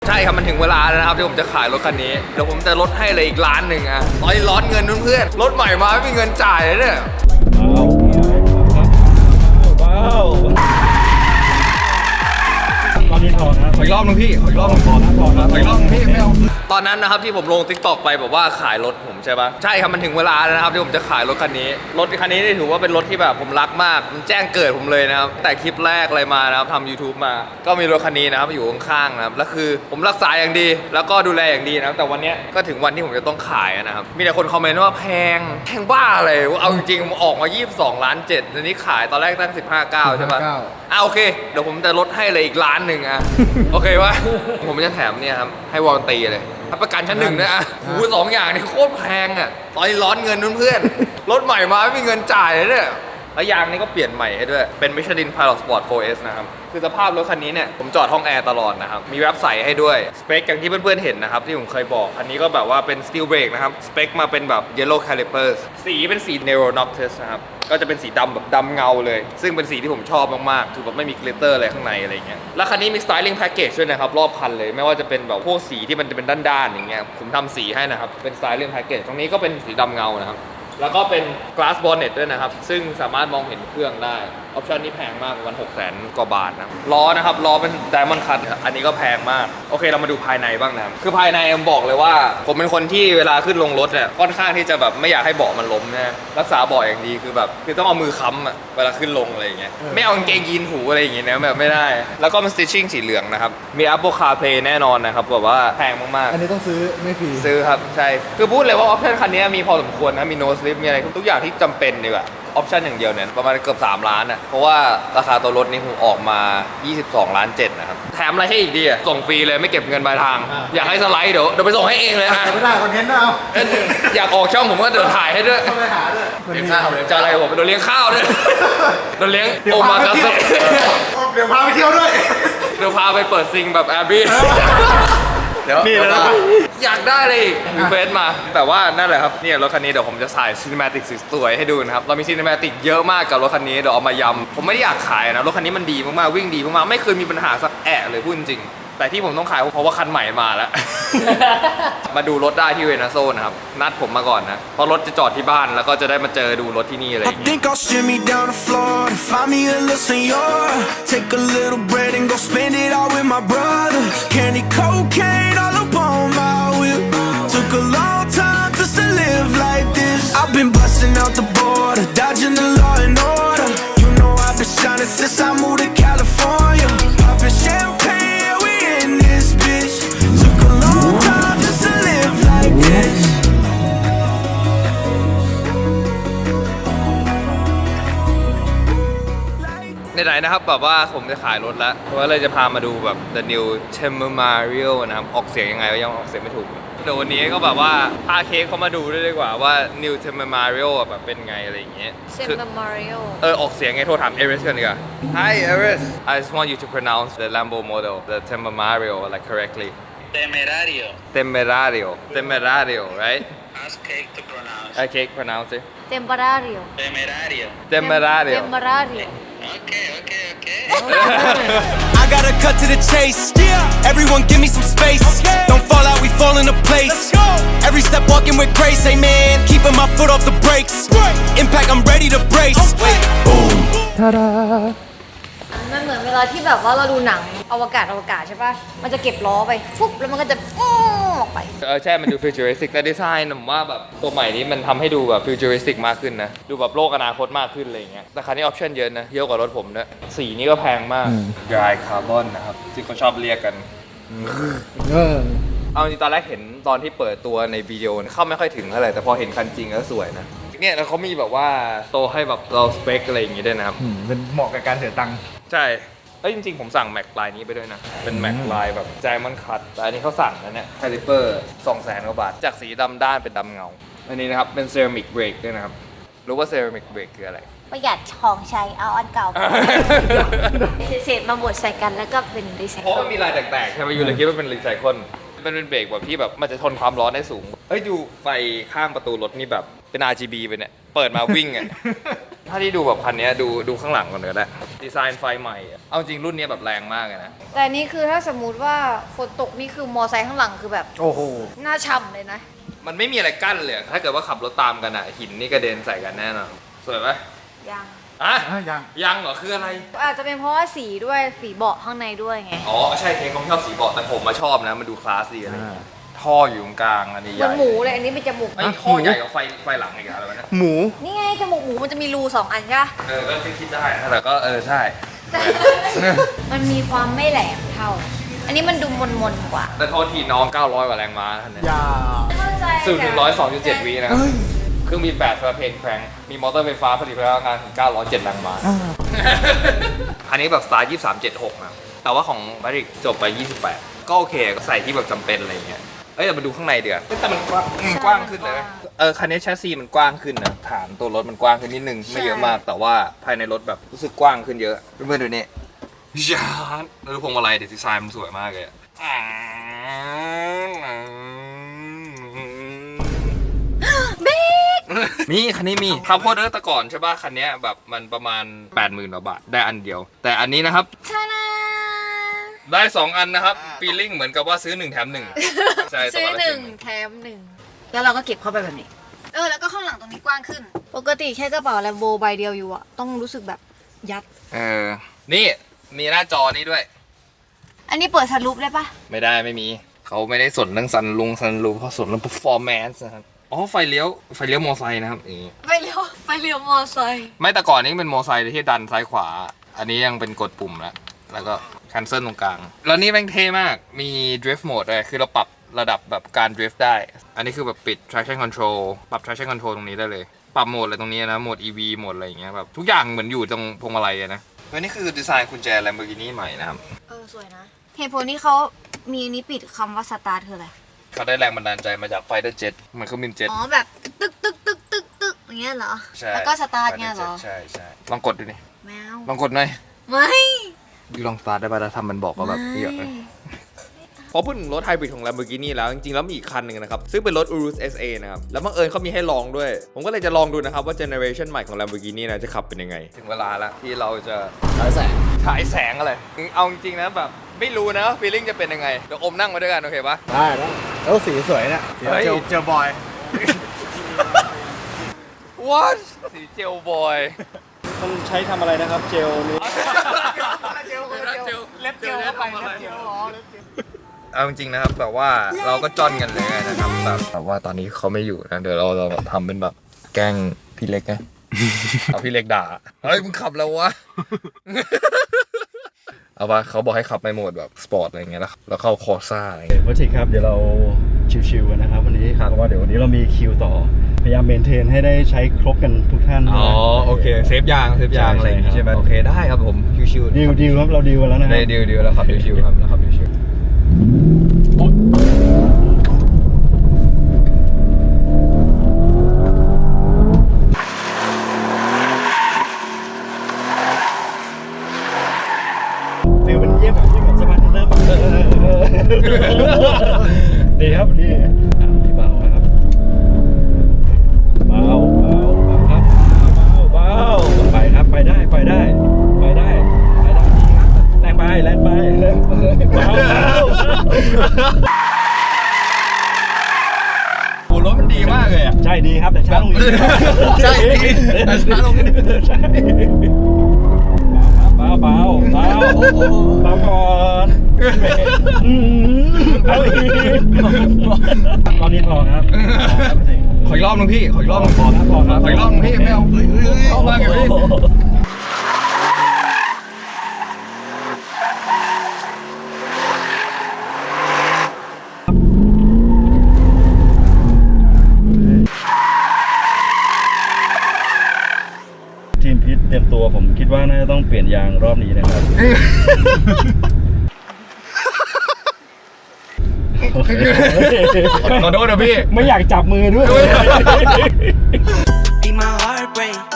ใช่ครับมันถึงเวลาแล้วนะครับที่ผมจะขายรถคันนี้เดี๋ยวผมจะลดให้เลยอีกล้านหนึ่งอะตอนนี้ร้อนเงินเพื่อนๆรถใหม่มาไม่มีเงินจ่ายเลยเนี่ยว้าวตอนนี้พอนะขออีกรอบนึงพี่ขออีกรอบนึงพอนะขออีกรอบนึงพี่ไม่เอาตอนนั้นนะครับที่ผมลง TikTok ไปบอกว่าขายรถผมใช่ปะใช่ครับมันถึงเวลาแล้วนะครับที่ผมจะขายรถคันนี้รถคันนี้นี่ถือว่าเป็นรถที่แบบผมรักมากมันแจ้งเกิดผมเลยนะครับแต่คลิปแรกอะไรมานะครับทำ YouTube มาก็มีรถคันนี้นะครับอยู่ข้างๆนะครับแล้วคือผมรักษาอย่างดีแล้วก็ดูแลอย่างดีนะครับแต่วันนี้ก็ถึงวันที่ผมจะต้องขายนะครับมีแต่คนคอมเมนต์ว่าแพงบ้าเลยเอาจริงๆออกมา22.7 ล้านตอนนี้ขายตอนแรกตั้ง15.9ใช่ปะโอเคเดี๋ยวผมจะลดให้เลยอีกล้านหนึ่งอะโอเควะผมจะแถมเนี่ยครับให้วอร์นตีเลยประกันชั้นหนึ่งด้วยอะหู2 อย่างนี่โคตรแพงอะตอนนี้ร้อนเงินเพื่อนๆรถใหม่มาไม่มีเงินจ่ายเลยเนี่ยแล้วยางนี่ก็เปลี่ยนใหม่ให้ด้วยเป็น Michelin Pilot Sport 4S นะครับคือสภาพรถคันนี้เนี่ยผมจอดห้องแอร์ตลอดนะครับมีแรปใส่ให้ด้วยสเปคอย่างที่เพื่อนๆเห็นนะครับที่ผมเคยบอกคันนี้ก็แบบว่าเป็น Steel Brake นะครับสเปคมาเป็นแบบ Yellow Calipers สีเป็นสี Nero Noctis นะครับก็จะเป็นสีดำแบบดำเงาเลยซึ่งเป็นสีที่ผมชอบมากๆคือแบบไม่มีกลิตเตอร์อะไรข้างในอะไรเงี้ยแล้วคันนี้มี Styling Package ด้วยนะครับรอบคันเลยไม่ว่าจะเป็นแบบพวกสีที่มันจะเป็นด้านๆอย่างเงี้ยผมทำสีให้นะครับเป็น Styling Package ตรงนี้ก็เป็นสีดำเงานะครับแล้วก็เป็น glass bonnet ด้วยนะครับซึ่งสามารถมองเห็นเครื่องได้ออปชันนี้แพงมากประมาณ600,000 กว่าบาทนะล้อนะครับล้อเป็น Diamond Cut อันนี้ก็แพงมากโอเคเรามาดูภายในบ้างนะครับคือภายในผมบอกเลยว่าผมเป็นคนที่เวลาขึ้นลงรถเนี่ยค่อนข้างที่จะแบบไม่อยากให้เบาะมันล้มนะรักษาเบาะอย่างดีคือแบบคือต้องเอามือค้ำอะเวลาขึ้นลงอะไรอย่างเงี้ยไม่เอากางเกงยีนหูอะไรอย่างเงี้ยนะแบบไม่ได้แล้วก็มัน stitching สีเหลืองนะครับมี Apple CarPlay แน่นอนนะครับแบบว่าแพงมากๆอันนี้ต้องซื้อไม่ฟรีซื้อครับใช่คือพูดเลยว่าออปชั่นคันนี้มีพอสมควรนะมี no slip มีอะไรทุกอย่างที่จำเป็นดีกว่าออปชั่นอย่างเดียวเนี่ยประมาณเกือบ3 ล้านอ่ะเพราะว่าราคาตัวรถนี่ผมออกมา22.7 ล้านนะครับแถมอะไรให้อีกดีอ่ะส่งฟรีเลยไม่เก็บเงินปลายทางอยากให้สไลด์เดี๋ยวไปส่งให้เองเลยนะไม่ได้คอนเทนต์นะเอาอยากออกช่องผมก็เดี๋ยวถ่ายให้ด้วยไปหาด้วยเลี้ยงข้าวเลยจะอะไรผมโดนเลี้ยงข้าวด้วยโดนเลี้ยงโอมากาเซ่เดี๋ยวพาไปเที่ยวด้วยเดี๋ยวพาไปเปิดซิงแบบแอบบี้เดี๋ยวอยากได้เลยมีเฟซมาแต่ว่านั่นแหละครับเนี่ยรถคันนี้เดี๋ยวผมจะใส่ซีนิมาติกสวยๆให้ดูนะครับเรามีซีนิมาติกเยอะมากกับรถคันนี้เดี๋ยวเอามายำผมไม่ได้อยากขายนะรถคันนี้มันดีมากๆวิ่งดีมากๆไม่เคยมีปัญหาสักแอะเลยพูดจริงแต่ที่ผมต้องขายเพราะว่าคันใหม่มาแล้ว มาดูรถได้ที่เวนาโซนะครับนัดผมมาก่อนนะเพราะรถจะจอดที่บ้านแล้วก็จะได้มาเจอดูรถที่นี่อะไรอย่างเงี้ย Think I'll shimmy down the floor to find me a little senor. Take a little bread and go spend it all with my brother. Candy cocaine all up on my whip. Took a long time just to live like this. I've been busting out the border, dodging the law and order. You know I've been shining since I moved to California. Popping champagne, yeah, we in this bitch. Took a long time just to live like this. ไหนๆนะครับแบบว่าผมจะขายรถแล้วเพราะว่าเลยจะพามาดูแบบ The New Tempo-Mario นะครับออกเสียงยังไงก็ยังออกเสียงไม่ถูกเดี๋ยววันนี้ก็แบบว่าพาเค้กเขามาดูด้วยดีกว่าว่า New Tempo-Mario แบบเป็นไงอะไรอย่างเงี้ย Tempo-Mario ออกเสียงไงโทรถาม Eris กันดีกว่า Hi Eris I just want you to pronounce the Lambo model the Tempo-Mario like correctly Temerario right Ask Cake to pronounce. Cake pronounce it Temporario Temerario Okay. I gotta cut to the chase. Everyone give me some space. Don't fall out, we fall into place. Every step walking with grace, amen. Keeping my foot off the brakes. Impact, I'm ready to brace. Boom. มันเหมือนเวลาที่แบบว่าเราดูหนังอวกาศใช่ปะมันจะเก็บล้อไปฟุบแล้วมันก็จะออกไปใช่มันดูฟิวเจอริสติกแต่ดีไซน์ผมว่าแบบตัวใหม่นี้มันทำให้ดูแบบฟิวเจอริสติกมากขึ้นนะดูแบบโลกอนาคตมากขึ้นอะไรอย่างเงี้ยแต่คันนี้ออปชั่นเยอะนะเยอะกว่ารถผมด้วยสีนี้ก็แพงมาก Dry Carbon นะครับที่เขาชอบเรียกกันเอาจริงตอนแรกเห็นตอนที่เปิดตัวในวิดีโอเข้าไม่ค่อยถึงเท่าไหร่แต่พอเห็นคันจริงแล้วสวยนะเนี่ยแล้วเขามีแบบว่าโตให้แบบเราสเปคอะไรอย่างงี้ด้วยนะครับเป็นเหมาะกับการเสียตังค์ใช่จริงๆผมสั่งแม็กลายนี้ไปด้วยนะเป็นแม็กลายแบบไดมอนด์คัตแต่อันนี้เขาสั่งนะเนี่ยคาลิเปอร์ 200,000 กว่าบาทจากสีดำด้านเป็นดำเงาอันนี้นะครับเป็นเซรามิกเบรกด้วยนะครับรู้ว่าเซรามิกเบรกคืออะไรประหยัดของใช้เอาอันเก่าเศษมาบดใส่กันแล้วก็เป็นรีไซเคิลเพราะมันมีลายแตกๆใช่ไหมอยู่เลยคิดว่าเป็นรีไซเคิลมันเป็นเบรกแบบที่แบบมันจะทนความร้อนได้สูงดูไฟข้างประตูรถนี่แบบเป็น RGB ไปเนี่ยเปิดมาวิ่งอ่ะถ้าที่ดูแบบคันนี้ดูข้างหลังก่อนก็ได้ดีไซน์ไฟใหม่อะเอาจริงรุ่นนี้แบบแรงมากเลยนะแต่นี่คือถ้าสมมุติว่าฝนตกนี่คือมอไซค์ข้างหลังคือแบบโอ้โหหน้าช่ำเลยนะมันไม่มีอะไรกั้นเลยถ้าเกิดว่าขับรถตามกันอ่ะหินนี่กระเด็นใส่กันแน่นอนสวยไหมยังอ่ะยังยังเหรอคืออะไรอาจจะเป็นเพราะว่าสีด้วยสีเบาะข้างในด้วยไงอ๋อใช่เค้กเขาชอบสีเบาะแต่ผมมาชอบนะมันดูคลาสดีอะไรอย่างเงี้ยท่ออยู่ตรงกลางอันนี้ใหเหมืญ่อนหมูเลยอันนี้เป็นจมูกไอ้ท่อใหญ่กว่าไฟหลังอีกอะไรวะเนี่ยหมูนี่ไงจมูกหมูมันจะมีรู2 อันใช่ปะก็คิดได้นะแต่ก็ใช่มันมีความไม่แหลมเท่า อันนี้มันดูมนๆกว่าแต่โทษทีน้อง900กว่าแรงม้าท่านเนี่ยอย่าสูตรถึง102.7 วินะครับเครื่องบิน8ประเพนแครงมีมอเตอร์ไฟฟ้าผลิตพลังงานถึง907แรงม้าอันนี้แบบสไตล์2376นะแต่ว่าของมาริกจบไป28ก็โอเคก็ใส่ที่แบบจำเป็นอะไรอย่างเงี้ยแต่มาดูข้างในเดี๋ยวแต่มันกว้างขึ้นเลยคันนี้แชสซีมันกว้างขึ้นนะฐานตัวรถมันกว้างขึ้นนิดนึงไม่เยอะมากแต่ว่าภายในรถแบบรู้สึกกว้างขึ้นเยอะเพื่อนๆดูนี่ยานแล้วพวงมาลัยดีไซน์มันสวยมากเลยนี่คันนี้มีข้าวโพดแต่ก่อนใช่ป่ะคันนี้แบบมันประมาณ 80,000 กว่าบาทได้อันเดียว แต่อันนี้นะครับชานาได้ 2 อันนะครับฟีลลิ่งเหมือนกับว่าซื้อ1 แถม 1ใช่ซื้อ1 แถม 1แล้วเราก็เก็บเข้าไปแบบนี้ แล้วก็ข้างหลังตรงนี้กว้างขึ้น ปกติแค่กระเป๋าแลมโบใบเดียวอยู่อะต้องรู้สึกแบบยัดนี่มีหน้าจอนี้ด้วยอันนี้เปิดสลูปได้ปะไม่ได้ไม่มีเขาไม่ได้สนเรื่องซันรูเพราะสนเรื่อง performance นะครับอ๋อไฟเลี้ยวมอไซค์นะครับอย่างงี้ไฟเลี้ยวมอไซค์ไม่แต่ก่อนนี้เป็นมอไซค์ที่ดันซ้ายขวา อันนี้ยังเป็นกดปุ่มแล้วก็ cancel ตรงกลางแล้วนี่แม่งเท่มากมี drift mode เลยคือเราปรับระดับแบบการ drift ได้อันนี้คือแบบปิด traction control ปรับ traction control ตรงนี้ได้เลยปรับโหมดอะไรตรงนี้นะโหมด EV โหมดอะไรอย่างเงี้ยแบบทุกอย่างเหมือนอยู่ตรงพวงมาลัยนะและนี่คือดีไซน์กุญแจ Lamborghini ใหม่นะครับสวยนะเหตุผลที่เขามีอันนี้ปิดคำว่าสตาร์ทคืออะไรเขาได้แรงบันดาลใจมาจาก Fighter Jet เหมือนเครื่องบินเจ็ตอ๋อแบบตึกอย่างเงี้ยเหรอใช่แล้วก็สตาร์ทเงี้ยเหรอใช่ลองกดดูดิแมวลองกดหน่อยไม่ดูลองสตาร์ทได้ป่ะแล้วทำมันบอกว่าแบบเยอะเลยพอพูดถึงรถไฮบริดของ Lamborghini แล้วจริงๆแล้วมีอีกคันหนึ่งนะครับซึ่งเป็นรถ Urus SA นะครับแล้วบังเอิญเขามีให้ลองด้วยผมก็เลยจะลองดูนะครับว่าเจเนอเรชันใหม่ของ Lamborghini นะจะขับเป็นยังไงถึงเวลาแล้วที่เราจะฉายแสงอะไรเอาจริงๆนะแบบไม่รู้นะฟีลลิ่งจะเป็นยังไงเดี๋ยวอมนั่งมาด้วยกันโอเคปะได้แล้วสีสวยเนี่ยเฮ้ยเจอบอย What สีเจลบอยต้องใช้ทำอะไรนะครับเจลนี้เล็บเจลเข้าไปเล็บเจลล้อเล็บเจลเอาจริงๆนะครับแบบว่าเราก็จ้อนกันเลยนะครับแบบว่าตอนนี้เขาไม่อยู่นะเดี๋ยวเราทำเป็นแบบแกล้งพี่เล็กนะ เอาพี่เล็กด่าเฮ้ยมึงขับแล้ววะ เอาปะเขาบอกให้ขับในโหมดแบบสปอร์ตอะไรเงี้ยแล้วเข้าคอร์ซ่าอะไรเงี้ยวัตถิครับเดี๋ยวเราชิวๆกันนะครับวันนี้เพราะว่าเดี๋ยววันนี้เรามีคิวต่อพยายามเมนเทนให้ได้ใช้ครบกันทุกท่านอ๋อโอเคเซฟยางอะไรอย่างงี้ใช่ไหมโอเคได้ครับผมชิวๆดิวครับเราดิวกันแล้วนะครัได้ดิวแล้วครับชิวๆครับแล้วครับชิวๆฟิลเป็นเยี่ยมสบายเริ่มดีครับดีเบาครับเบาครับเบาไปครับไปได้ดีครับแรงไปเบาโอ้รถมันดีมากเลยอ่ะใช่ดีครับแต่ช้าลงนิดใช่ดีแต่ช้าลงนิดใช่เบาก่อนเอาอีกตอนนี้พอครับขออีกรอบนึงพี่ขออีกรอบนึงพอครับขออีกรอบนึงพี่ไม่เอาเข้ามาไงพี่ทีมพิษเตรียมตัวผมคิดว่าน่าจะต้องเปลี่ยนยางรอบนี้นะครับขอโทษนะพี่ไม่อยากจับมือด้วย Be my heartbreak